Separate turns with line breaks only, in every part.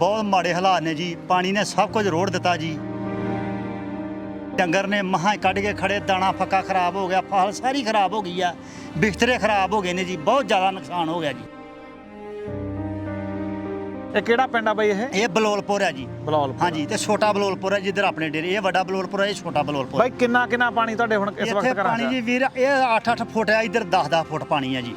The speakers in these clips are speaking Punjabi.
बहुत माड़े हालात ने जी। पानी ने सब कुछ रोड़ दिता जी। डंगर ने महा कढ़ के खड़े, दाना पक्का खराब हो गया, फसल सारी खराब हो गई है, बिस्तरे खराब हो गए ने जी। बहुत ज़्यादा नुकसान हो गया जी।
ਇਹ ਕਿਹੜਾ ਪਿੰਡ ਆ ਬਾਈ ਇਹ
ये बलोलपुर है जी।
ਬਲੌਲਪੁਰ
हाँ जी, तो छोटा बलोलपुर है जिधर अपने डेरे। ये बड़ा बलोलपुर है, ये छोटा बलोलपुर।
ਬਾਈ ਕਿੰਨਾ ਪਾਣੀ ਤੁਹਾਡੇ ਹੁਣ ਇਸ
ਇੱਥੇ
ਵਕਤ ਘਰਾਂ
ਪਾਣੀ
'ਚ
ਜੀ ਵੀਰ ਇਹ 8-8 ਫੁੱਟ ਹੈ, ਇੱਧਰ 10-10 ਫੁੱਟ ਪਾਣੀ ਹੈ ਜੀ।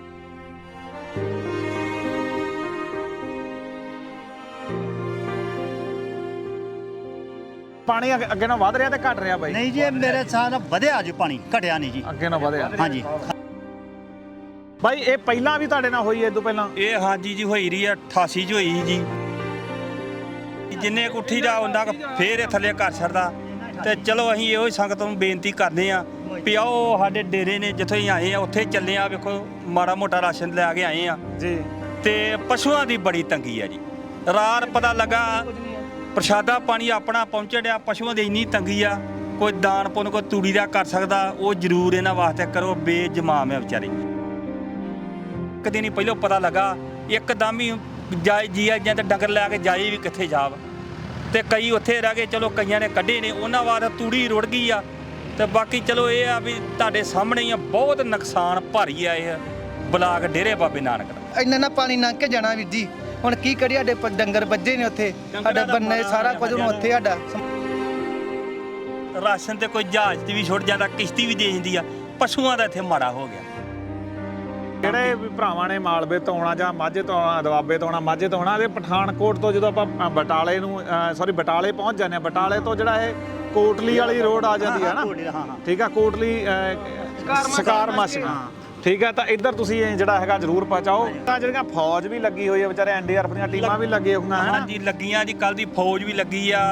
ਪਾਣੀ ਅੱਗੇ ਨਾਲ ਵਧ ਰਿਹਾ ਤੇ ਘਟ ਰਿਹਾ ਬਾਈ
ਨਹੀਂ ਜੀ, ਇਹ ਮੇਰੇ ਸਾਹ ਵਧਿਆ ਜੀ, ਪਾਣੀ ਘਟਿਆ ਨਹੀਂ ਜੀ।
ਅੱਗੇ ਨਾਲ ਵਧਿਆ
हाँ जी।
ਬਾਈ ਇਹ ਪਹਿਲਾਂ ਵੀ ਤੁਹਾਡੇ ਨਾਲ ਹੋਈ ਐ ਇਦੋਂ ਪਹਿਲਾਂ
ਇਹ ਹਾਂਜੀ ਜੀ ਹੋਈ ਰਹੀ ਆ 88 ਚ ਹੋਈ ਜੀ। ਜਿੰਨੇ ਕੁੱਠੀ ਦਾ ਉਹਨਾਂ ਫੇਰ ਇਹ ਥੱਲੇ ਘਰ ਛੱਡਦਾ। ਤੇ ਚਲੋ ਅਸੀਂ ਇਹੋ ਹੀ ਸੰਗਤ ਨੂੰ ਬੇਨਤੀ ਕਰਦੇ ਆ ਵੀ ਆਓ ਸਾਡੇ ਡੇਰੇ ਨੇ ਜਿੱਥੋਂ ਹੀ ਆਏ ਆ ਉੱਥੇ ਚੱਲੇ ਆ। ਵੇਖੋ ਮਾੜਾ ਮੋਟਾ ਰਾਸ਼ਨ ਲੈ ਕੇ ਆਏ ਆ
ਜੀ।
ਤੇ ਪਸ਼ੂਆਂ ਦੀ ਬੜੀ ਤੰਗੀ ਆ ਜੀ। ਰਾਤ ਪਤਾ ਲੱਗਾ ਪ੍ਰਸ਼ਾਦਾ ਪਾਣੀ ਆਪਣਾ ਪਹੁੰਚਣ ਡਿਆ, ਪਸ਼ੂਆਂ ਦੀ ਇੰਨੀ ਤੰਗੀ ਆ। ਕੋਈ ਦਾਨ ਪੁੰਨ ਕੋਈ ਤੂੜੀ ਦਾ ਕਰ ਸਕਦਾ ਉਹ ਜ਼ਰੂਰ ਇਹਨਾਂ ਵਾਸਤੇ ਕਰੋ। ਬੇਜਮਾਮ ਹੈ ਵਿਚਾਰੇ। ਇੱਕ ਦਿਨ ਹੀ ਪਹਿਲਾਂ ਪਤਾ ਲੱਗਾ ਇੱਕਦਮ ਹੀ ਜਾਏ ਜੀ ਜਾਂ ਤੇ ਡੰਗਰ ਲੈ ਕੇ ਜਾਏ ਵੀ ਕਿੱਥੇ ਜਾਵ। ਤੇ ਕਈ ਉੱਥੇ ਰਹਿ ਗਏ, ਚਲੋ ਕਈਆਂ ਨੇ ਕੱਢੇ ਨੇ, ਉਹਨਾਂ ਵਾਸਤੇ ਤੂੜੀ ਰੁੜ ਗਈ ਆ। ਤੇ ਬਾਕੀ ਚਲੋ ਇਹ ਆ ਵੀ ਤੁਹਾਡੇ ਸਾਹਮਣੇ ਹੀ ਆ, ਬਹੁਤ ਨੁਕਸਾਨ ਭਾਰੀ ਆ ਇਹ ਬਲਾਕ ਡੇਰੇ ਬਾਬੇ ਨਾਨਕ ਦਾ।
ਇੰਨਾ ਨਾ ਪਾਣੀ ਲੰਘ ਕੇ ਜਾਣਾ ਵੀਰ ਜੀ। ਹੁਣ ਕੀ ਕਰੀਏ, ਸਾਡੇ ਡੰਗਰ ਵੱਜੇ ਨੇ ਉੱਥੇ, ਸਾਡਾ ਬੰਨੇ ਸਾਰਾ ਕੁਝ ਹੁਣ ਉੱਥੇ ਸਾਡਾ।
ਰਾਸ਼ਨ ਤੇ ਕੋਈ ਜਹਾਜ਼ ਤੇ ਵੀ ਛੁੱਟ ਜਾਂਦਾ, ਕਿਸ਼ਤੀ ਵੀ ਦੇ ਜਾਂਦੀ ਆ। ਪਸ਼ੂਆਂ ਦਾ ਇੱਥੇ ਮਾੜਾ ਹੋ ਗਿਆ।
ਜਿਹੜੇ ਵੀ ਭਰਾਵਾਂ ਨੇ ਮਾਲਵੇ ਤੋਂ ਆਉਣਾ ਜਾਂ ਮਾਝੇ ਤੋਂ ਆਉਣਾ, ਦੁਆਬੇ ਤੋਂ ਆਉਣਾ, ਮਾਝੇ ਤੋਂ ਆਉਣਾ, ਤੇ ਪਠਾਨਕੋਟ ਤੋਂ ਜਦੋਂ ਆਪਾਂ ਬਟਾਲੇ ਨੂੰ ਬਟਾਲੇ ਪਹੁੰਚ ਜਾਂਦੇ ਆ, ਬਟਾਲੇ ਤੋਂ ਜਿਹੜਾ ਇਹ ਕੋਟਲੀ ਵਾਲੀ ਰੋਡ ਆ ਜਾਂਦੀ ਹੈ ਨਾ, ਠੀਕ ਆ, ਕੋਟਲੀ ਸਕਾਰ ਮਸ਼ਕ, ਠੀਕ ਹੈ। ਤਾਂ ਇੱਧਰ ਤੁਸੀਂ ਜਿਹੜਾ ਹੈਗਾ ਜ਼ਰੂਰ ਪਹੁੰਚਾਓ। ਤਾਂ ਜਿਹੜੀਆਂ ਫੌਜ ਵੀ ਲੱਗੀ ਹੋਈ ਹੈ ਵਿਚਾਰੇ, NDRF ਦੀਆਂ ਟੀਮਾਂ ਵੀ ਲੱਗੀਆਂ ਹੋਈਆਂ ਹਨ।
ਹਾਂਜੀ ਲੱਗੀਆਂ ਜੀ, ਕੱਲ ਦੀ ਫੌਜ ਵੀ ਲੱਗੀ ਆ।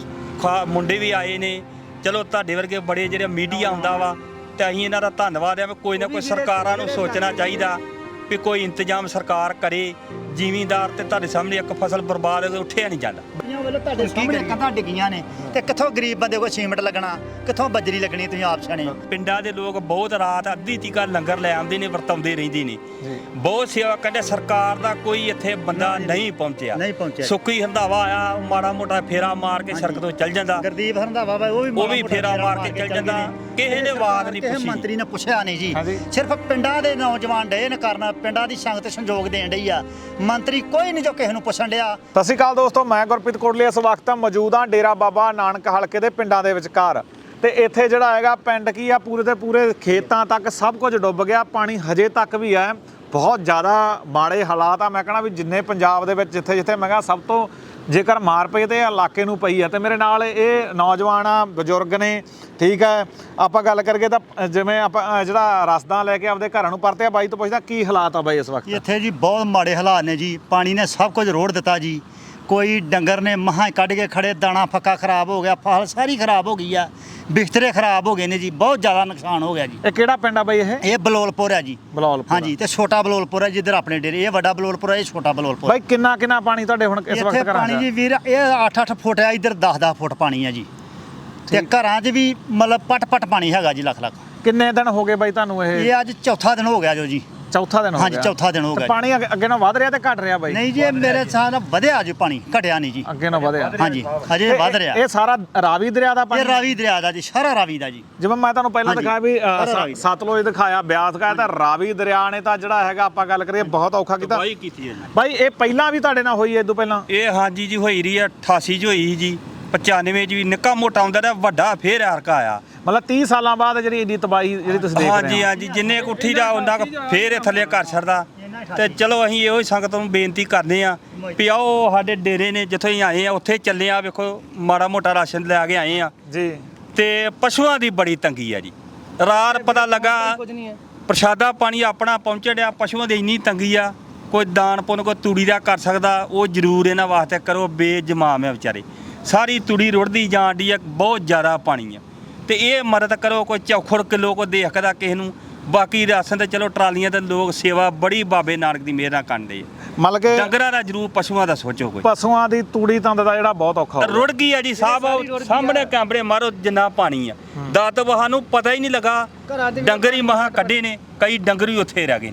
ਉਹ ਮੁੰਡੇ ਵੀ ਆਏ ਨੇ। ਚਲੋ ਤੁਹਾਡੇ ਵਰਗੇ ਬੜੇ ਜਿਹੜੇ ਮੀਡੀਆ ਆਉਂਦਾ ਵਾ, ਤੇ ਅਸੀਂ ਇਹਨਾਂ ਦਾ ਧੰਨਵਾਦ ਆ। ਕੋਈ ਨਾ ਕੋਈ ਸਰਕਾਰਾਂ ਨੂੰ ਸੋਚਣਾ ਚਾਹੀਦਾ ਵੀ ਕੋਈ ਇੰਤਜ਼ਾਮ ਸਰਕਾਰ ਕਰੇ। ਜ਼ਿਮੀਂਦਾਰ ਤੇ ਤੁਹਾਡੇ ਸਾਹਮਣੇ ਇੱਕ ਫਸਲ ਬਰਬਾਦ ਹੋ ਕੇ ਉੱਠਿਆ ਨਹੀਂ ਜਾਂਦਾ।
ਤੁਹਾਡੇ ਸਾਹਮਣੇ ਕੰਧਾਂ ਡਿੱਗੀਆਂ ਨੇ, ਤੇ ਕਿੱਥੋਂ ਗਰੀਬ ਬੰਦੇ ਕੋਲ ਸੀਮੈਂਟ ਲੱਗਣਾ, ਕਿੱਥੋਂ ਬਜਰੀ ਲੱਗਣੀ, ਤੁਸੀਂ ਆਪ ਸਿਆਣੇ।
ਪਿੰਡਾਂ ਦੇ ਲੋਕ ਬਹੁਤ ਰਾਤ ਅੱਧੀ ਤੀਕਾ ਲੰਗਰ ਲੈ ਆਉਂਦੇ ਨੇ, ਵਰਤਾਉਂਦੇ ਰਹਿੰਦੇ ਨੇ, ਬਹੁਤ ਸੇਵਾ ਕਹਿੰਦੇ। ਸਰਕਾਰ ਦਾ ਕੋਈ ਇੱਥੇ ਬੰਦਾ ਨਹੀਂ ਪਹੁੰਚਿਆ। ਸੁੱਕੀ ਹੰਦਾਵਾ ਆਇਆ, ਮਾੜਾ ਮੋਟਾ ਫੇਰਾ ਮਾਰ ਕੇ ਸੜਕ ਤੋਂ ਚੱਲ ਜਾਂਦਾ।
ਗੁਰਦੀਪ ਹੰਦਾਵਾ ਵਾ, ਉਹ ਵੀ
ਫੇਰਾ ਮਾਰ ਕੇ ਚੱਲ ਜਾਂਦਾ। ਕਿਸੇ ਨੇ ਬਾਤ ਨਹੀਂ ਪੁੱਛੀ,
ਮੰਤਰੀ ਨੇ ਪੁੱਛਿਆ ਨਹੀਂ ਜੀ। ਸਿਰਫ ਪਿੰਡਾਂ ਦੇ ਨੌਜਵਾਨ ਡੇ ਨੇ ਕਰਨ, ਪਿੰਡਾਂ ਦੀ ਸੰਗਤ ਸੰਯੋਗ ਦੇਣ ਡਈ ਆ। ਮੰਤਰੀ ਕੋਈ ਨਹੀਂ ਜੋ ਕਿਸੇ ਨੂੰ ਪੁੱਛਣ ਡਿਆ।
ਸਤਿ ਸ਼੍ਰੀ ਅਕਾਲ ਦੋਸਤੋ, ਮੈਂ ਗੁਰਪ੍ਰੀਤ ਕੋਟਲੀ ਇਸ ਵਕਤ ਮੌਜੂਦ ਹਾਂ ਡੇਰਾ ਬਾਬਾ ਨਾਨਕ ਹਲਕੇ ਦੇ ਪਿੰਡਾਂ ਦੇ ਵਿਚਕਾਰ। ਤੇ ਇੱਥੇ ਜਿਹੜਾ ਹੈਗਾ ਪਿੰਡ ਕੀ ਆ, ਪੂਰੇ ਦੇ ਪੂਰੇ ਖੇਤਾਂ ਤੱਕ ਸਭ ਕੁਝ ਡੁੱਬ ਗਿਆ। ਪਾਣੀ ਹਜੇ ਤੱਕ ਵੀ ਹੈ, ਬਹੁਤ ਜ਼ਿਆਦਾ ਮਾੜੇ ਹਾਲਾਤ ਆ। ਮੈਂ ਕਹਣਾ ਵੀ ਜਿੰਨੇ ਪੰਜਾਬ ਦੇ ਵਿੱਚ ਜਿੱਥੇ ਜਿੱਥੇ ਮੈਂ ਕਿਹਾ ਸਭ ਤੋਂ ਜੇਕਰ ਮਾਰ ਪਈ ਤੇ ਇਲਾਕੇ ਨੂੰ ਪਈ ਆ। ਤੇ ਮੇਰੇ ਨਾਲ ਇਹ ਨੌਜਵਾਨ ਆ, ਬਜ਼ੁਰਗ ਨੇ, ਠੀਕ ਹੈ। ਆਪਾਂ ਗੱਲ ਕਰੀਏ ਤਾਂ ਜਿਵੇਂ ਆਪਾਂ ਜਿਹੜਾ ਰਸਦਾਂ ਲੈ ਕੇ ਆਪਦੇ ਘਰਾਂ ਨੂੰ ਪਰਤੇ ਆ, ਬਾਈ ਤੋਂ ਪੁੱਛਦਾ ਕੀ ਹਾਲਾਤ ਆ ਬਾਈ ਇਸ ਵਕਤ?
ਇੱਥੇ ਜੀ ਬਹੁਤ ਮਾੜੇ ਹਾਲਾਤ ਨੇ ਜੀ। ਪਾਣੀ ਨੇ ਸਭ ਕੁਝ ਰੋੜ ਦਿੱਤਾ ਜੀ। ਕੋਈ ਡੰਗਰ ਨੇ ਮਹਾ ਕੱਢ ਕੇ ਖੜੇ, ਦਾਣਾ ਪੱਕਾ ਖਰਾਬ ਹੋ ਗਿਆ, ਫਸਲ ਸਾਰੀ ਖਰਾਬ ਹੋ ਗਈ ਆ, ਬਿਸਤਰੇ ਖਰਾਬ ਹੋ ਗਏ ਨੇ ਜੀ। ਬਹੁਤ ਜ਼ਿਆਦਾ ਨੁਕਸਾਨ ਹੋ ਗਿਆ ਜੀ।
ਇਹ ਕਿਹੜਾ ਪਿੰਡ ਆ ਬਾਈ ਇਹ
ਬਲੋਲਪੁਰ ਹੈ ਜੀ।
ਬਲੋਲਪੁਰ,
ਹਾਂ ਜੀ, ਤੇ ਛੋਟਾ ਬਲੋਲਪੁਰ ਹੈ ਜਿੱਧਰ ਆਪਣੇ ਡੇਰੇ। ਇਹ ਵੱਡਾ ਬਲੋਲਪੁਰ ਹੈ, ਇਹ ਛੋਟਾ ਬਲੋਲਪੁਰ।
ਬਾਈ ਕਿੰਨਾ ਪਾਣੀ ਤੁਹਾਡੇ ਹੁਣ ਇਸ ਵਕਤ ਘਰਾਂ 'ਚ?
ਪਾਣੀ ਜੀ ਵੀਰ ਇਹ 8-8 ਫੁੱਟ ਹੈ, ਇੱਧਰ 10-10 ਫੁੱਟ ਪਾਣੀ ਹੈ ਜੀ। ਤੇ ਘਰਾਂ 'ਚ ਵੀ ਮਤਲਬ ਪਟ ਪਾਣੀ ਹੈਗਾ ਜੀ, ਲੱਖ।
ਕਿੰਨੇ ਦਿਨ ਹੋ ਗਏ ਬਾਈ ਤੁਹਾਨੂੰ
ਇਹ ਅੱਜ ਚੌਥਾ ਦਿਨ ਹੋ ਗਿਆ ਜੋ ਜੀ।
ਚੌਥਾ ਦਿਨ ਹੋ ਗਿਆ?
ਹਾਂਜੀ, ਚੌਥਾ ਦਿਨ ਹੋ ਗਿਆ।
ਪਾਣੀ ਅੱਗੇ ਨਾਲ ਵਧ ਰਿਹਾ ਤੇ ਘਟ ਰਿਹਾ ਬਾਈ?
ਨਹੀਂ ਜੀ, ਇਹ ਮੇਰੇ ਸਾਹ ਨਾਲ ਵਧਿਆ ਜੀ, ਪਾਣੀ ਘਟਿਆ ਨਹੀਂ ਜੀ।
ਅੱਗੇ ਨਾਲ ਵਧਿਆ?
ਹਾਂਜੀ, ਅਜੇ ਵਧ ਰਿਹਾ।
ਇਹ ਸਾਰਾ ਰਾਵੀ ਦਰਿਆ ਦਾ ਪਾਣੀ?
ਇਹ ਰਾਵੀ ਦਰਿਆ ਦਾ ਜੀ, ਸਾਰਾ ਰਾਵੀ ਦਾ ਜੀ।
ਜਿਵੇਂ ਮੈਂ ਤੁਹਾਨੂੰ ਪਹਿਲਾਂ ਦਿਖਾਇਆ ਵੀ ਸਤਲੁਜ ਦਿਖਾਇਆ, ਬਿਆਸ ਦਿਖਾਇਆ, ਤਾਂ ਰਾਵੀ ਦਰਿਆ ਨੇ ਤਾਂ ਜਿਹੜਾ ਹੈਗਾ ਆਪਾਂ ਗੱਲ ਕਰੀਏ ਬਹੁਤ ਔਖਾ ਕੀਤਾ।
ਕੀਤੀ ਹੈ ਜੀ
ਬਾਈ ਇਹ ਪਹਿਲਾਂ ਵੀ ਤੁਹਾਡੇ ਨਾਲ ਹੋਈ ਐ ਇਦੋਂ ਪਹਿਲਾਂ?
ਇਹ ਹਾਂਜੀ ਜੀ ਹੋਈ ਰਹੀ ਆ 88 ਚ ਹੋਈ ਜੀ। 95 ਚ ਵੀ ਨਿੱਕਾ ਮੋਟਾ ਹੁੰਦਾ ਰਿਹਾ, ਵੱਡਾ ਫੇਰ ਹਰਕਾ ਆਇਆ।
ਮਤਲਬ 30 ਸਾਲਾਂ ਬਾਅਦ ਜਿਹੜੀ ਇੰਨੀ ਤਬਾਹੀ ਜਿਹੜੀ ਤੁਸੀਂ ਦੇਖ ਰਹੇ ਹੋ?
ਹਾਂਜੀ, ਜਿੰਨੇ ਕੁੱਠੀ ਦਾ ਉਹਨਾਂ ਫੇਰ ਇਹ ਥੱਲੇ ਘਰ ਛੱਡਦਾ। ਤੇ ਚਲੋ ਅਸੀਂ ਇਹੋ ਹੀ ਸੰਗਤ ਨੂੰ ਬੇਨਤੀ ਕਰਦੇ ਆ ਵੀ ਆਓ ਸਾਡੇ ਡੇਰੇ ਨੇ ਜਿੱਥੋਂ ਹੀ ਆਏ ਆ ਉੱਥੇ ਚੱਲੇ ਆ। ਵੇਖੋ ਮਾੜਾ ਮੋਟਾ ਰਾਸ਼ਨ ਲੈ ਕੇ ਆਏ ਆ
ਜੀ।
ਤੇ ਪਸ਼ੂਆਂ ਦੀ ਬੜੀ ਤੰਗੀ ਆ ਜੀ। ਰਾਤ ਪਤਾ ਲੱਗਾ ਪ੍ਰਸ਼ਾਦਾ ਪਾਣੀ ਆਪਣਾ ਪਹੁੰਚਣ ਡਿਆ, ਪਸ਼ੂਆਂ ਦੀ ਇੰਨੀ ਤੰਗੀ ਆ। ਕੋਈ ਦਾਨ ਪੁੰਨ ਕੋਈ ਤੂੜੀ ਦਾ ਕਰ ਸਕਦਾ ਉਹ ਜ਼ਰੂਰ ਇਹਨਾਂ ਵਾਸਤੇ ਕਰੋ। ਬੇਜਮਾਮ ਹੈ ਵਿਚਾਰੇ। ਸਾਰੀ ਤੂੜੀ ਰੁੜਦੀ ਜਾਣ ਡਈ ਆ, ਬਹੁਤ ਜ਼ਿਆਦਾ ਪਾਣੀ ਆ। ਤੇ ਇਹ ਮਦਦ ਕਰੋ, ਕੋਈ ਚੌਖੜ ਕਿਲੋ ਕੋ ਦੇਖਦਾ ਕਿਸੇ ਨੂੰ। ਬਾਕੀ ਰਾਸ਼ਨ ਤੇ ਚਲੋ ਟਰਾਲੀਆਂ ਤੇ ਲੋਕ ਸੇਵਾ ਬੜੀ ਬਾਬੇ ਨਾਨਕ ਦੀ ਮਿਹਰ ਨਾਲ ਕਰਦੇ ਆ।
ਮਤਲਬ ਕਿ
ਡੰਗਰਾਂ ਦਾ ਜ਼ਰੂਰ, ਪਸ਼ੂਆਂ ਦਾ ਸੋਚੋ ਕੋਈ।
ਪਸ਼ੂਆਂ ਦੀ ਤੂੜੀ ਤੰਦ ਦਾ ਜਿਹੜਾ ਬਹੁਤ ਔਖਾ ਹੋ
ਰੁੜ ਗਈ ਆ ਜੀ ਸਾਹਿਬ। ਸਾਹਮਣੇ ਕੈਮਰੇ ਮਾਰੋ ਜਿੰਨਾ ਪਾਣੀ ਆ। ਦਾਤ ਵਹਾਂ ਨੂੰ ਪਤਾ ਹੀ ਨਹੀਂ ਲੱਗਾ। ਡੰਗਰ ਹੀ ਮਹਾ ਕੱਢੇ ਨੇ, ਕਈ ਡੰਗਰ ਹੀ ਉੱਥੇ ਰਹਿ ਗਏ ਨੇ।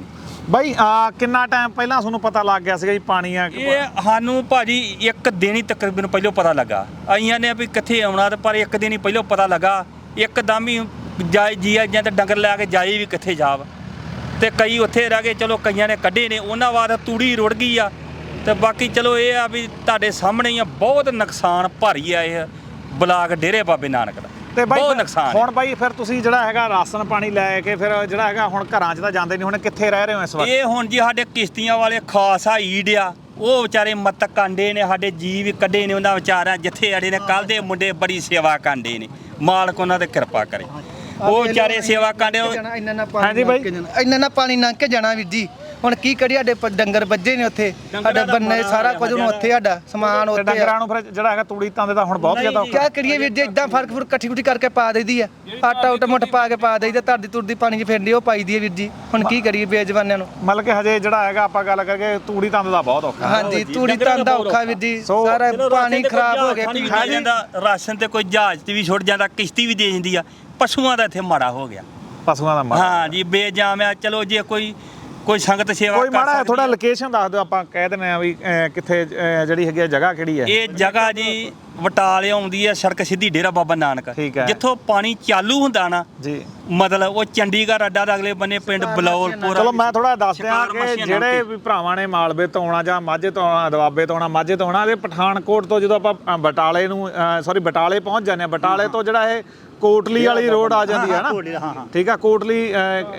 ਬਾਈ ਕਿੰਨਾ ਟਾਈਮ ਪਹਿਲਾਂ ਤੁਹਾਨੂੰ ਪਤਾ ਲੱਗ ਗਿਆ ਸੀਗਾ ਜੀ ਪਾਣੀ ਆ
ਇਹ ਸਾਨੂੰ ਭਾਜੀ ਇੱਕ ਦਿਨ ਹੀ ਤਕਰੀਬਨ ਪਹਿਲਾਂ ਪਤਾ ਲੱਗਾ। ਆਈਆਂ ਨੇ ਵੀ ਕਿੱਥੇ ਆਉਣਾ, ਤੇ ਪਰ ਇੱਕ ਦਿਨ ਹੀ ਪਹਿਲਾਂ ਪਤਾ ਲੱਗਾ। ਇੱਕਦਮ ਹੀ ਜਾਈ ਜੀ ਜਾਂ ਤੇ ਡੰਗਰ ਲੈ ਕੇ ਜਾਈ ਵੀ ਕਿੱਥੇ ਜਾਵ, ਤੇ ਕਈ ਉੱਥੇ ਰਹਿ ਗਏ। ਚਲੋ ਕਈਆਂ ਨੇ ਕੱਢੇ ਨੇ, ਉਹਨਾਂ ਬਾਅਦ ਤੂੜੀ ਰੁੜ ਗਈ ਆ। ਤੇ ਬਾਕੀ ਚਲੋ ਇਹ ਆ ਵੀ ਤੁਹਾਡੇ ਸਾਹਮਣੇ ਹੀ ਆ, ਬਹੁਤ ਨੁਕਸਾਨ ਭਾਰੀ ਆ ਇਹ ਬਲਾਕ ਡੇਰੇ ਬਾਬੇ ਨਾਨਕ ਦਾ।
ਤੇ ਬਾਈ
ਬਹੁਤ ਨੁਕਸਾਨ
ਹੁਣ ਬਾਈ ਫਿਰ ਤੁਸੀਂ ਜਿਹੜਾ ਹੈਗਾ ਰਾਸ਼ਨ ਪਾਣੀ ਲੈ ਕੇ ਫਿਰ ਜਿਹੜਾ ਹੈਗਾ ਹੁਣ ਘਰਾਂ 'ਚ ਤਾਂ ਜਾਂਦੇ ਨਹੀਂ, ਹੁਣ ਕਿੱਥੇ ਰਹਿ ਰਹੇ ਹੋ ਇਸ ਵਕਤ?
ਇਹ ਹੁਣ ਜੀ ਸਾਡੇ ਕਿਸ਼ਤੀਆਂ ਵਾਲੇ ਖਾਸ ਆ ਈਡ ਆ, ਉਹ ਵਿਚਾਰੇ ਮੱਤ ਕਾਂਡੇ ਨੇ, ਸਾਡੇ ਜੀ ਵੀ ਕੱਢੇ ਨੇ ਉਹਨਾਂ ਵਿਚਾਰਿਆਂ। ਜਿੱਥੇ ਅੜੇ ਨੇ ਕੱਲ ਦੇ ਮੁੰਡੇ ਬੜੀ ਸੇਵਾ ਕਾਂਡੇ ਨੇ, ਮਾਲਕ ਉਹਨਾਂ ਤੇ ਕਿਰਪਾ ਕਰੇ। ਉਹ ਵਿਚਾਰੇ ਸੇਵਾ ਕਾਂਡੇ।
ਹਾਂਜੀ ਬਾਈ।
ਇੰਨਾ ਨਾ ਪਾਣੀ ਲੰਘ ਕੇ ਜਾਣਾ ਵੀਰ ਜੀ। ਹੁਣ ਕੀ ਕਰੀਏ, ਸਾਡੇ ਡੰਗਰ ਵੱਜੇ ਨੇ ਉੱਥੇ, ਸਾਡੇ ਬੰਨੇ ਸਾਰਾ ਕੁਝ ਹੁਣ ਉੱਥੇ, ਸਾਡਾ ਸਮਾਨ
ਤੇ
ਉੱਥੇ
ਡੰਗਰਾਂ ਨੂੰ ਫਿਰ ਜਿਹੜਾ ਹੈਗਾ ਤੂੜੀ ਤਾਂਦੇ ਦਾ ਹੁਣ ਬਹੁਤ ਜ਼ਿਆਦਾ
ਕਿਆ ਕਰੀਏ ਵੀਰ ਜੀ। ਇਦਾਂ ਫਰਕ ਇਕੱਠੀ ਕੁੱਠੀ ਕਰਕੇ ਪਾ ਦਈਦੀ ਆ, ਆਟਾ ਉਟਾ ਮੁੱਠ ਪਾ ਕੇ ਪਾ ਦਈਦਾ, ਧਰਦੀ ਤੁਰਦੀ ਪਾਣੀ 'ਚ ਫਿਰਦੀ ਉਹ ਪਾਈ ਦੀ ਆ ਵੀਰ ਜੀ। ਹੁਣ ਕੀ ਕਰੀਏ ਬੇਜਵਾਨਿਆਂ ਨੂੰ।
ਮਤਲਬ ਕਿ ਹਜੇ ਜਿਹੜਾ ਹੈਗਾ ਆਪਾਂ ਗੱਲ ਕਰਕੇ ਤੂੜੀ ਤਾਂਦੇ ਦਾ ਬਹੁਤ ਔਖਾ।
ਹਾਂਜੀ ਤੂੜੀ ਤੰਦਾ ਔਖਾ ਵੀਰ ਜੀ, ਸਾਰਾ ਪਾਣੀ ਖਰਾਬ ਹੋ ਗਿਆ।
ਜਾਂਦਾ ਰਾਸ਼ਨ ਤੇ ਕੋਈ ਜਹਾਜ਼ ਤੇ ਵੀ ਛੁੱਟ ਜਾਂਦਾ, ਕਿਸ਼ਤੀ ਵੀ ਦੇ ਜਾਂਦੀ ਆ। ਪਸ਼ੂਆਂ ਦਾ ਇੱਥੇ ਮਾੜਾ ਹੋ ਗਿਆ,
ਪਸ਼ੂਆਂ ਦਾ ਮਾੜਾ।
ਹਾਂ ਜੀ ਬੇਜਾਮ ਆ। ਚਲੋ ਜੇ ਕੋਈ ਸੰਗਤ ਸੇਵਾ
ਕੋਈ
ਕਰ
ਮਾੜਾ
ਸਕਦੀ
ਥੋੜਾ
ਆ।
ਲੋਕੇਸ਼ਨ ਦੱਸ ਦਿਓ, ਆਪਾਂ ਕਹਿ ਦਿੰਦੇ ਆ ਵੀ ਕਿੱਥੇ ਜਿਹੜੀ ਹੈਗੀ ਆ ਜਗ੍ਹਾ ਕਿਹੜੀ ਹੈ?
ਇਹ ਜਗ੍ਹਾ ਜੀ ਵਟਾਲੇ ਆਉਂਦੀ ਹੈ, ਸੜਕ ਸਿੱਧੀ ਡੇਰਾ ਬਾਬਾ ਨਾਨਕ।
ਠੀਕ ਹੈ।
ਜਿੱਥੋਂ ਪਾਣੀ ਚਾਲੂ ਹੁੰਦਾ ਨਾ
ਜੀ,
ਮਤਲਬ ਉਹ ਚੰਡੀਗੜ੍ਹ ਅੱਡਾ ਦਾ ਅਗਲੇ ਬੰਨੇ ਪਿੰਡ ਬਲੌਲਪੁਰ।
ਚਲੋ ਮੈਂ ਥੋੜਾ ਦੱਸ ਦਿਆਂ
ਸ਼ਿਕਾਰ
ਕਿ
ਮੱਛੀਆਂ
ਜਿਹੜੇ
ਨਾਲ
ਵੀ ਭਰਾਵਾਂ ਨੇ ਮਾਲਵੇ ਤੋਂ ਆਉਣਾ ਜਾਂ ਮਾਝੇ ਤੋਂ ਆਉਣਾ, ਦੁਆਬੇ ਤੋਂ ਆਉਣਾ, ਮਾਝੇ ਤੋਂ ਆਉਣਾ, ਤੇ ਪਠਾਨਕੋਟ ਤੋਂ ਜਦੋਂ ਆਪਾਂ ਬਟਾਲੇ ਨੂੰ ਬਟਾਲੇ ਪਹੁੰਚ ਜਾਂਦੇ ਆ, ਬਟਾਲੇ ਤੋਂ ਜਿਹੜਾ ਇਹ ਕੋਟਲੀ ਵਾਲੀ ਰੋਡ ਆ ਜਾਂਦੀ ਹੈ ਨਾ, ਠੀਕ ਆ, ਕੋਟਲੀ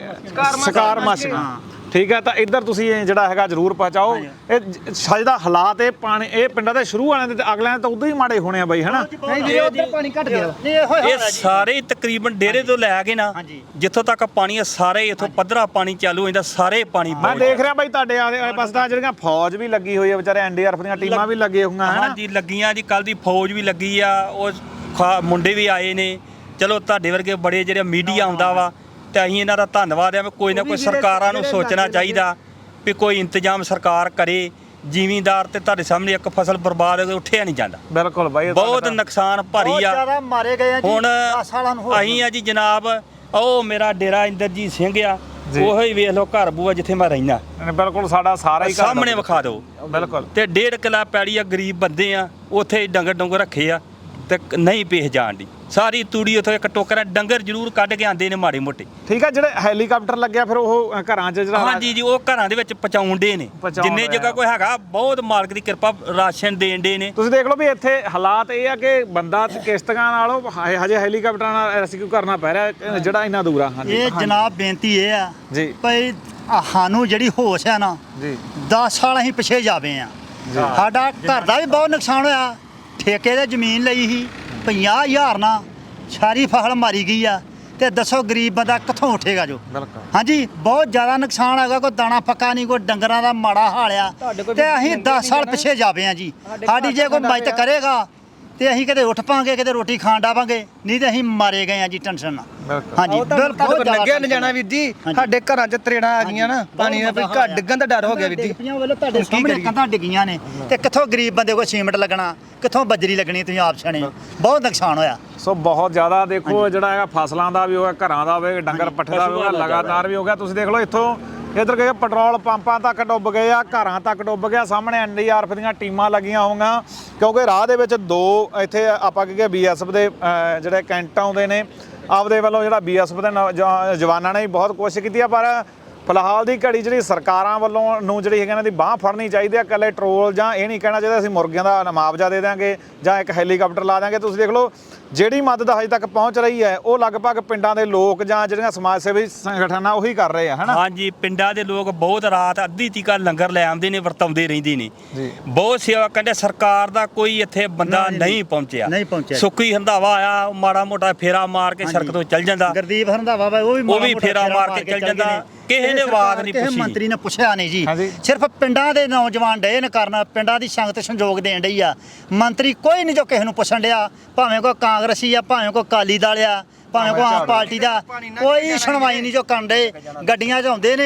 ਸ਼ਿਕਾਰ ਮੱਛੀ, ਠੀਕ ਹੈ। ਤਾਂ ਇੱਧਰ ਤੁਸੀਂ ਜਿਹੜਾ ਹੈਗਾ ਜ਼ਰੂਰ ਪਹੁੰਚਾਓ। ਇਹ ਸੱਜ ਦਾ ਹਾਲਾਤ ਇਹ ਪਾਣੀ ਇਹ ਪਿੰਡਾਂ ਦੇ ਸ਼ੁਰੂ ਵਾਲਿਆਂ ਦੇ ਤੇ ਅਗਲਿਆਂ ਦੇ ਤਾਂ ਉਦੋਂ ਹੀ ਮਾੜੇ ਹੋਣੇ ਆ ਬਾਈ, ਹਨਾ?
ਨਹੀਂ ਵੀਰੇ ਉੱਧਰ ਪਾਣੀ ਘਟ ਗਿਆ।
ਇਹ ਸਾਰੇ ਤਕਰੀਬਨ ਡੇਰੇ ਤੋਂ ਲੈ ਕੇ ਨਾ ਜਿੱਥੋਂ ਤੱਕ ਪਾਣੀ ਆ, ਸਾਰੇ ਇਥੋਂ ਪੱਧਰਾ ਪਾਣੀ ਚਾਲੂ ਹੋ ਜਾਂਦਾ, ਸਾਰੇ ਪਾਣੀ
ਮੈਂ ਦੇਖ ਰਿਹਾ ਬਾਈ ਤੁਹਾਡੇ ਆਲੇ ਪਾਸੇ ਤਾਂ ਜਿਹੜੀਆਂ ਫੌਜ ਵੀ ਲੱਗੀ ਹੋਈ ਆ, ਵਿਚਾਰੇ ਐਨਡੀਆਰਐਫ ਦੀਆਂ ਟੀਮਾਂ ਵੀ ਲੱਗੀਆਂ ਹੋਈਆਂ, ਹਨਾ?
ਹਾਂਜੀ ਲੱਗੀਆਂ ਜੀ, ਕੱਲ ਦੀ ਫੌਜ ਵੀ ਲੱਗੀ ਆ, ਉਹ ਮੁੰਡੇ ਵੀ ਆਏ ਨੇ। ਚਲੋ ਤੁਹਾਡੇ ਵਰਗੇ ਬੜੇ ਜਿਹੜੇ ਮੀਡੀਆ ਆਉਂਦਾ ਵਾ, ਤੇ ਅਸੀਂ ਇਹਨਾਂ ਦਾ ਧੰਨਵਾਦ ਆ। ਕੋਈ ਨਾ ਕੋਈ ਸਰਕਾਰਾਂ ਨੂੰ ਸੋਚਣਾ ਚਾਹੀਦਾ ਵੀ ਕੋਈ ਇੰਤਜ਼ਾਮ ਸਰਕਾਰ ਕਰੇ। ਜ਼ਿਮੀਂਦਾਰ ਤੇ ਤੁਹਾਡੇ ਸਾਹਮਣੇ ਇੱਕ ਫਸਲ ਬਰਬਾਦ ਹੋ ਗਈ, ਉੱਠਿਆ ਨਹੀਂ ਜਾਂਦਾ।
ਬਿਲਕੁਲ ਬਾਈ,
ਬਹੁਤ ਨੁਕਸਾਨ ਭਾਰੀ ਆ।
ਜ਼ਿਆਦਾ ਮਾਰੇ ਗਏ ਆ ਜੀ,
ਹੁਣ
10 ਸਾਲਾਂ ਨੂੰ ਹੋ
ਅਸੀਂ ਆ ਜੀ ਜਨਾਬ, ਉਹ ਮੇਰਾ ਡੇਰਾ ਇੰਦਰਜੀਤ ਸਿੰਘ ਆ, ਉਹੋ ਹੀ ਵੇਖ ਲਓ ਘਰ ਬੂਆ ਜਿੱਥੇ ਮੈਂ ਰਹਿਣਾ।
ਬਿਲਕੁਲ ਸਾਡਾ ਸਾਰਾ ਹੀ
ਸਾਹਮਣੇ ਵਿਖਾ ਦਿਓ।
ਬਿਲਕੁਲ।
ਤੇ 1.5 ਕਿੱਲਾ ਪੈੜੀ ਆ, ਗਰੀਬ ਬੰਦੇ ਆ, ਉੱਥੇ ਡੰਗਰ ਰੱਖੇ ਆ ਤੇ ਨਹੀਂ ਪੇਹ ਜਾਣ ਦੀ। ਸਾਰੀ ਤੂੜੀ ਉੱਥੇ ਇੱਕ ਟੋਕਰਾ ਡੰਗਰ ਜ਼ਰੂਰ ਕੱਢ ਕੇ ਆਂਦੇ ਨੇ ਮਾੜੇ ਮੋਟੇ।
ਠੀਕ ਆ। ਜਿਹੜੇ ਹੈਲੀਕਾਪਟਰ ਲੱਗਿਆ ਫਿਰ ਉਹ ਘਰਾਂ 'ਚ ਜਿਹੜਾ
ਹਾਂਜੀ ਜੀ, ਉਹ ਘਰਾਂ ਦੇ ਵਿੱਚ ਪਹੁੰਚਾਉਣ ਦੇ ਨੇ, ਜਿੰਨੇ ਜਗ੍ਹਾ ਕੋਈ ਹੈਗਾ। ਬਹੁਤ ਮਾਲਕ ਦੀ ਕਿਰਪਾ, ਰਾਸ਼ਨ ਦੇਣ ਦੇ ਨੇ।
ਤੁਸੀਂ ਦੇਖ ਲਓ ਵੀ ਇੱਥੇ ਹਾਲਾਤ ਇਹ ਆ ਕਿ ਬੰਦਾ ਕਿਸ਼ਤੀਆਂ ਨਾਲੋਂ ਹਜੇ ਹੈਲੀਕਾਪਟਰਾਂ ਨਾਲ ਰੈਸਕਿਊ ਕਰਨਾ ਪੈ ਰਿਹਾ, ਜਿਹੜਾ ਇੰਨਾ ਦੂਰ ਆ। ਹਾਂਜੀ
ਇਹ ਜਨਾਬ ਬੇਨਤੀ ਇਹ ਆ
ਜੀ
ਭਈ ਸਾਨੂੰ ਜਿਹੜੀ ਹੋਸ਼ ਆ ਨਾ
ਜੀ
10 ਸਾਲ ਅਸੀਂ ਪਿੱਛੇ ਜਾਵੇ ਆ। ਸਾਡਾ ਘਰ ਦਾ ਵੀ ਬਹੁਤ ਨੁਕਸਾਨ ਹੋਇਆ। ਠੇਕੇ ਤੇ ਜ਼ਮੀਨ ਲਈ ਸੀ 50,000 ਨਾਲ, ਸਾਰੀ ਫਸਲ ਮਾਰੀ ਗਈ ਆ। ਤੇ ਦੱਸੋ ਗਰੀਬ ਬੰਦਾ ਕਿੱਥੋਂ ਉੱਠੇਗਾ ਜੋ?
ਬਿਲਕੁਲ।
ਹਾਂਜੀ ਬਹੁਤ ਜ਼ਿਆਦਾ ਨੁਕਸਾਨ ਹੈਗਾ। ਕੋਈ ਦਾਣਾ ਪੱਕਾ ਨਹੀਂ, ਕੋਈ ਡੰਗਰਾਂ ਦਾ ਮਾੜਾ ਹਾਲ ਆ। ਤੇ ਅਸੀਂ 10 ਸਾਲ ਪਿੱਛੇ ਜਾਵੇ ਆ ਜੀ। ਸਾਡੀ ਜੇ ਕੋਈ ਮਦਦ ਕਰੇਗਾ ਤੇ ਅਸੀਂ ਕਿਤੇ ਉੱਠ ਪਾਂਗੇ, ਕਿਤੇ ਰੋਟੀ ਖਾਣ ਡਾਵਾਂਗੇ, ਨਹੀਂ ਤੇ ਅਸੀਂ ਮਾਰੇ ਗਏ ਆ ਜੀ ਟੈਨਸ਼ਨ ਨਾਲ। ਹਾਂਜੀ ਬਿਲਕੁਲ
ਲੱਗਿਆ ਨਹੀਂ ਜਾਣਾ ਵੀਰ ਜੀ। ਸਾਡੇ ਘਰਾਂ 'ਚ ਤਰੇੜਾਂ ਆ ਗਈਆਂ ਨਾ, ਪਾਣੀ ਦਾ ਘਰ ਡਿੱਗਣ ਦਾ ਡਰ ਹੋ ਗਿਆ ਵੀਰ ਜੀ।
ਤੁਹਾਡੇ ਸਾਹਮਣੇ ਕੰਧਾਂ ਡਿੱਗੀਆਂ ਨੇ, ਤੇ ਕਿੱਥੋਂ ਗਰੀਬ ਬੰਦੇ ਕੋਲ ਸੀਮੈਂਟ ਲੱਗਣਾ, ਕਿੱਥੋਂ ਬਜਰੀ ਲੱਗਣੀ? ਤੁਸੀਂ ਆਪ ਸਿਆਣੇ, ਬਹੁਤ ਨੁਕਸਾਨ ਹੋਇਆ।
ਸੋ ਬਹੁਤ ਜ਼ਿਆਦਾ ਦੇਖੋ ਜਿਹੜਾ ਹੈਗਾ ਫਸਲਾਂ ਦਾ ਵੀ ਹੋਇਆ, ਘਰਾਂ ਦਾ ਹੋਵੇ, ਡੰਗਰ ਪੱਠੇ ਦਾ ਵੀ ਹੋਇਆ, ਲਗਾਤਾਰ ਵੀ ਹੋ ਗਿਆ। ਤੁਸੀਂ ਦੇਖ ਲਓ ਇੱਥੋਂ ਇੱਧਰ ਗਏ ਪੈਟਰੋਲ ਪੰਪਾਂ ਤੱਕ ਡੁੱਬ ਗਏ ਆ, ਘਰਾਂ ਤੱਕ ਡੁੱਬ ਗਿਆ। ਸਾਹਮਣੇ ਐਨਡੀਆਰਐਫ ਦੀਆਂ ਟੀਮਾਂ ਲੱਗੀਆਂ ਹੋਈਆਂ, ਕਿਉਂਕਿ ਰਾਹ ਦੇ ਵਿੱਚ 2 ਇੱਥੇ ਆਪਾਂ ਕਹੀਏ ਬੀਐਸਐਫ ਦੇ ਜਿਹੜੇ ਕੈਂਟ ਆਉਂਦੇ ਨੇ, ਆਪਦੇ ਵੱਲੋਂ ਜਿਹੜਾ ਬੀਐਸਐਫ ਦੇ ਜਵਾਨਾਂ ਨੇ ਵੀ ਬਹੁਤ ਕੋਸ਼ਿਸ਼ ਕੀਤੀ ਆ। ਪਰ ਫਿਲਹਾਲ ਦੀ ਘੜੀ ਜਿਹੜੀ ਸਰਕਾਰਾਂ ਵੱਲੋਂ ਨੂੰ ਜਿਹੜੀ ਹੈਗੀ ਇਹਨਾਂ ਦੀ ਬਾਂਹ ਫੜਨੀ ਚਾਹੀਦੀ ਆ। ਇਕੱਲੇ ਟਰੋਲ ਜਾਂ ਇਹ ਨਹੀਂ ਕਹਿਣਾ ਚਾਹੀਦਾ ਅਸੀਂ ਮੁਰਗਿਆਂ ਦਾ ਮੁਆਵਜ਼ਾ ਦੇ ਦਿਆਂਗੇ ਜਾਂ ਇੱਕ ਹੈਲੀਕਾਪਟਰ ਲਾ ਦਿਆਂਗੇ। ਤੁਸੀਂ ਦੇਖ ਲਓ ਜਿਹੜੀ ਮਦਦ ਹਜੇ ਤੱਕ ਪਹੁੰਚ ਰਹੀ ਹੈ ਉਹ ਲਗਭਗ ਪਿੰਡਾਂ ਦੇ ਲੋਕ ਜਾਂ ਜਿਹੜੀਆਂ ਸਮਾਜ ਸੇਵੀ ਸੰਗਠਨ ਆ ਉਹੀ ਕਰ ਰਹੇ ਆ, ਹਨਾ?
ਹਾਂਜੀ ਪਿੰਡਾਂ ਦੇ ਲੋਕ ਬਹੁਤ ਰਾਤ ਅੱਧੀ ਤੀਕਾ ਲੰਗਰ ਲੈ ਆਉਂਦੇ ਨੇ, ਵਰਤਾਉਂਦੇ ਰਹਿੰਦੇ ਨੇ, ਬਹੁਤ ਸੇਵਾ ਕਰਦੇ। ਸਰਕਾਰ ਦਾ ਕੋਈ ਇੱਥੇ ਬੰਦਾ ਨਹੀਂ ਪਹੁੰਚਿਆ। ਸੁੱਕੀ ਹੰਦਾਵਾ ਆਇਆ, ਮਾੜਾ ਮੋਟਾ ਫੇਰਾ ਮਾਰ ਕੇ ਸੜਕ ਤੋਂ ਚੱਲ ਜਾਂਦਾ।
ਗੁਰਦੀਪ ਹੰਦਾਵਾ ਉਹ ਵੀ
ਫੇਰਾ ਮਾਰ ਕੇ ਚੱਲ ਜਾਂਦਾ। ਕਿਸੇ ਨੇ ਬਾਤ ਨਹੀਂ ਪੁੱਛੀ,
ਮੰਤਰੀ ਨੇ ਪੁੱਛਿਆ ਨਹੀਂ ਜੀ। ਸਿਰਫ ਪਿੰਡਾਂ ਦੇ ਨੌਜਵਾਨ ਡੇ ਨੇ ਕਰਨ, ਪਿੰਡਾਂ ਦੀ ਸੰਗਤ ਸੰਯੋਗ ਦੇਣ ਡਈ ਆ। ਮੰਤਰੀ ਕੋਈ ਨਹੀਂ ਜੋ ਕਿਸੇ ਨੂੰ ਪੁੱਛਣ ਡਿਆ, ਭਾਵੇਂ ਕੋਈ ਕਾਂਗਰਸੀ ਆ, ਭਾਵੇਂ ਕੋਈ ਅਕਾਲੀ ਦਲ ਆ, ਭਾਵੇਂ ਕੋਈ ਆਮ ਪਾਰਟੀ ਦਾ, ਕੋਈ ਸੁਣਵਾਈ ਨਹੀਂ ਜੋ ਕਰਨ ਡੇ। ਗੱਡੀਆਂ 'ਚ ਆਉਂਦੇ ਨੇ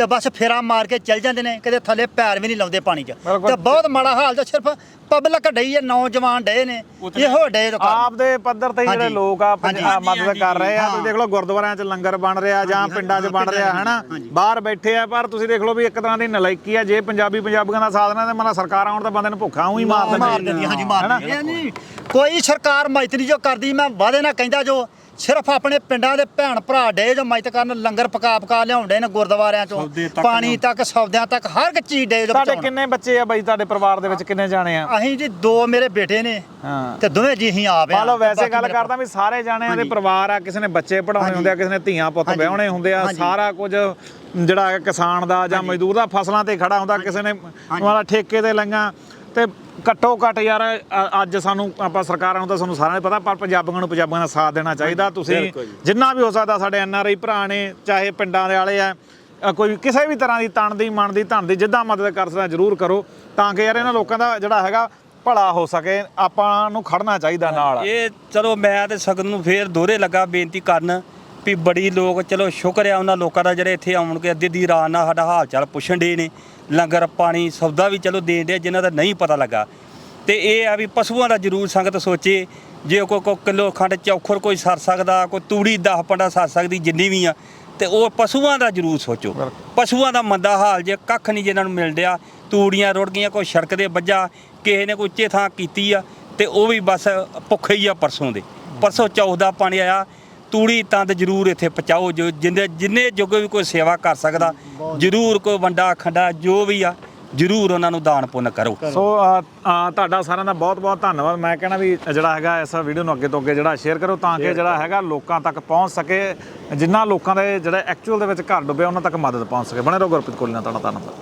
ਤੇ ਬਸ ਫੇਰਾ ਮਾਰ ਕੇ ਚੱਲ ਜਾਂਦੇ ਨੇ, ਕਦੇ ਥੱਲੇ ਪੈਰ ਵੀ ਨਹੀਂ ਲਾਉਂਦੇ ਪਾਣੀ 'ਚ।
ਬਿਲਕੁਲ।
ਤੇ ਬਹੁਤ ਮਾੜਾ ਹਾਲ ਤੇ ਸਿਰਫ ਪਬਲਿਕ ਡਈ ਹੈ, ਨੌਜਵਾਨ ਡੇ ਨੇ ਇਹੋ ਡੇ ਤੋਂ ਕਰਨ।
ਆਪ ਦੇ ਪੱਧਰ ਤੇ ਹੀ ਜਿਹੜੇ
ਹਾਂਜੀ।
ਲੋਕ ਆ
ਹਾਂਜੀ,
ਮਦਦ ਕਰ ਰਹੇ ਆ।
ਹਾਂ।
ਤੁਸੀਂ ਦੇਖ ਲਓ ਗੁਰਦੁਆਰਿਆਂ 'ਚ ਲੰਗਰ ਬਣ ਰਿਹਾ ਜਾਂ
ਹਾਂਜੀ,
ਪਿੰਡਾਂ 'ਚ ਬਣ
ਪਿੰਡਾਂ
ਰਿਹਾ
ਚ,
ਹਨਾ,
ਹਾਂਜੀ।
ਬਾਹਰ ਬੈਠੇ ਆ। ਪਰ ਤੁਸੀਂ ਦੇਖ ਲਓ ਵੀ ਇੱਕ ਤਰ੍ਹਾਂ ਦੀ ਨਲਾਇਕੀ ਆ, ਜੇ ਪੰਜਾਬੀਆਂ ਦਾ ਸਾਥ ਨਾ ਤੇ ਮਤਲਬ ਸਰਕਾਰ ਆਉਣ ਤਾਂ ਬੰਦੇ ਨੂੰ ਭੁੱਖਾ ਹੀ ਮਾਰ
ਮਾਰ
ਦਿੰਦੀ।
ਦਿੰਦੀ, ਹਾਂਜੀ ਮਾਰ ਦਿੰਦੀ। ਇਹ ਨਹੀਂ ਕੋਈ ਸਰਕਾਰ ਮਦਦ ਨਹੀਂ ਜੋ ਕਰਦੀ। ਮੈਂ ਵਾਅਦੇ ਨਾਲ ਕਹਿੰਦਾ ਜੋ ਸਿਰਫ ਆਪਣੇ ਪਿੰਡਾਂ ਦੇ ਭੈਣ ਭਰਾ ਡੇ ਜੋ ਮਦਦ ਕਰਨ, ਲੰਗਰ ਪਕਾ ਲਿਆਉਂਦੇ ਨੇ ਗੁਰਦੁਆਰਿਆਂ ਚੋਂ,
ਸੌਦੇ ਤੱਕ
ਪਾਣੀ ਤੱਕ, ਸੌਦਿਆਂ ਤੱਕ, ਹਰ ਇੱਕ ਚੀਜ਼ ਡੇ ਜੋ
ਤੁਹਾਡੇ
ਪਹੁੰਚਾਉਣ।
ਕਿੰਨੇ ਬੱਚੇ ਆ ਬਾਈ? ਤੁਹਾਡੇ ਪਰਿਵਾਰ ਦੇ ਵਿੱਚ ਕਿੰਨੇ ਜਾਣੇ ਆ?
ਅਸੀਂ ਜੀ 2 ਮੇਰੇ ਬੇਟੇ ਨੇ
ਹਾਂ।
ਤੇ ਦੋਵੇਂ ਜੀ ਅਸੀਂ ਆਪ ਆ।
ਮੰਨ ਲਓ ਵੈਸੇ
ਬਾਕੀ
ਗੱਲ
ਮੇਰੇ
ਕਰਦਾ ਵੀ ਸਾਰੇ ਜਾਣਿਆਂ ਦੇ
ਹਾਂਜੀ।
ਪਰਿਵਾਰ ਆ, ਕਿਸੇ ਨੇ ਬੱਚੇ ਪੜਾਉਣੇ
ਹਾਂਜੀ।
ਹੁੰਦੇ ਆ, ਕਿਸੇ ਨੇ ਧੀਆਂ ਪੁੱਤ
ਹਾਂਜੀ।
ਵਿਆਹੁਣੇ ਹੁੰਦੇ ਆ,
ਹਾਂਜੀ।
ਸਾਰਾ ਕੁਝ ਜਿਹੜਾ ਹੈ ਕਿਸਾਨ ਦਾ ਜਾਂ ਮਜ਼ਦੂਰ ਦਾ ਫਸਲਾਂ ਤੇ ਖੜਾ ਹੁੰਦਾ, ਕਿਸੇ ਨੇ ਮਤਲਬ ਠੇਕੇ ਤੇ ਲਈਆਂ। ਤੇ ਘੱਟੋ ਘੱਟ ਯਾਰ ਅੱਜ ਸਾਨੂੰ ਆਪਾਂ ਸਰਕਾਰਾਂ ਨੂੰ ਤਾਂ ਸਾਨੂੰ ਸਾਰਿਆਂ ਨੂੰ ਪਤਾ, ਪਰ ਪੰਜਾਬੀਆਂ ਦਾ ਸਾਥ ਦੇਣਾ ਚਾਹੀਦਾ। ਤੁਸੀਂ ਜਿੰਨਾ ਵੀ ਹੋ ਸਕਦਾ ਸਾਡੇ NRI ਭਰਾ ਨੇ, ਚਾਹੇ ਪਿੰਡਾਂ ਦੇ ਵਾਲੇ ਆ, ਕੋਈ ਕਿਸੇ ਵੀ ਤਰ੍ਹਾਂ ਦੀ ਤਣ ਦੀ ਮਨ ਦੀ ਧਨ ਦੀ ਜਿੱਦਾਂ ਮਦਦ ਕਰ ਸਕਦਾ ਜ਼ਰੂਰ ਕਰੋ, ਤਾਂ ਕਿ ਯਾਰ ਇਹਨਾਂ ਲੋਕਾਂ ਦਾ ਜਿਹੜਾ ਹੈਗਾ ਭਲਾ ਹੋ ਸਕੇ। ਆਪਾਂ ਨੂੰ ਖੜਨਾ ਚਾਹੀਦਾ ਨਾਲ।
ਇਹ ਚਲੋ ਮੈਂ ਤੇ ਸਗਨ ਨੂੰ ਫੇਰ ਦੋਹਰੇ ਲੱਗਾ ਬੇਨਤੀ ਕਰਨ ਵੀ ਬੜੀ ਲੋਕ, ਚਲੋ ਸ਼ੁਕਰ ਆ ਉਹਨਾਂ ਲੋਕਾਂ ਦਾ ਜਿਹੜੇ ਇੱਥੇ ਆਉਣ ਕੇ ਅੱਧੀ ਰਾਤ ਨਾਲ ਸਾਡਾ ਹਾਲ ਚਾਲ ਪੁੱਛਣ ਡੇ ਨੇ, ਲੰਗਰ ਪਾਣੀ ਸੌਦਾ ਵੀ ਚਲੋ ਦੇਣ ਡੇ ਜਿਨ੍ਹਾਂ ਦਾ ਨਹੀਂ ਪਤਾ ਲੱਗਾ। ਤੇ ਇਹ ਆ ਵੀ ਪਸ਼ੂਆਂ ਦਾ ਜ਼ਰੂਰ ਸੰਗਤ ਸੋਚੇ, ਜੇ ਕੋਈ ਕਿਲੋ ਖੰਡ ਚੌਖਰ ਕੋਈ ਸਰ ਸਕਦਾ, ਕੋਈ ਤੂੜੀ 10 ਪੰਡਾ ਸਰ ਸਕਦੀ ਜਿੰਨੀ ਵੀ ਆ, ਤੇ ਉਹ ਪਸ਼ੂਆਂ ਦਾ ਜ਼ਰੂਰ ਸੋਚੋ। ਪਸ਼ੂਆਂ ਦਾ ਮੰਦਾ ਹਾਲ ਜੇ ਕੱਖ ਨਹੀਂ ਜਿਹਨਾਂ ਨੂੰ ਮਿਲ ਰਿਹਾ, ਤੂੜੀਆਂ ਰੁੜ ਗਈਆਂ, ਕੋਈ ਸੜਕ ਦੇ ਵੱਜਾ, ਕਿਸੇ ਨੇ ਕੋਈ ਉੱਚੇ ਥਾਂ ਕੀਤੀ ਆ, ਤੇ ਉਹ ਵੀ ਬਸ ਭੁੱਖੇ ਹੀ ਆ। ਪਰਸੋਂ ਚੌਥ ਦਾ ਪਾਣੀ ਆਇਆ, ਤੂੜੀ ਤੰਦ ਜ਼ਰੂਰ ਇੱਥੇ ਪਹੁੰਚਾਓ। ਜੋ ਜਿੰਨੇ ਜੋਗੇ ਵੀ ਕੋਈ ਸੇਵਾ ਕਰ ਸਕਦਾ ਜ਼ਰੂਰ, ਕੋਈ ਵੰਡਾ ਖੰਡਾ ਜੋ ਵੀ ਆ ਜ਼ਰੂਰ ਉਹਨਾਂ ਨੂੰ ਦਾਨ ਪੁੰਨ ਕਰੋ।
ਸੋ ਤੁਹਾਡਾ ਸਾਰਿਆਂ ਦਾ ਬਹੁਤ ਬਹੁਤ ਧੰਨਵਾਦ। ਮੈਂ ਕਹਿਣਾ ਵੀ ਜਿਹੜਾ ਹੈਗਾ ਇਸ ਵੀਡੀਓ ਨੂੰ ਅੱਗੇ ਤੋਂ ਅੱਗੇ ਜਿਹੜਾ ਸ਼ੇਅਰ ਕਰੋ, ਤਾਂ ਕਿ ਜਿਹੜਾ ਹੈਗਾ ਲੋਕਾਂ ਤੱਕ ਪਹੁੰਚ ਸਕੇ, ਜਿਨ੍ਹਾਂ ਲੋਕਾਂ ਦੇ ਜਿਹੜੇ ਐਕਚੁਅਲ ਦੇ ਵਿੱਚ ਘਰ ਡੁੱਬੇ ਉਹਨਾਂ ਤੱਕ ਮਦਦ ਪਹੁੰਚ ਸਕੇ। ਬਣੇ ਰਹੋ ਗੁਰਪ੍ਰੀਤ ਕੋਹਲੀ ਨਾਲ, ਤੁਹਾਡਾ ਧੰਨਵਾਦ।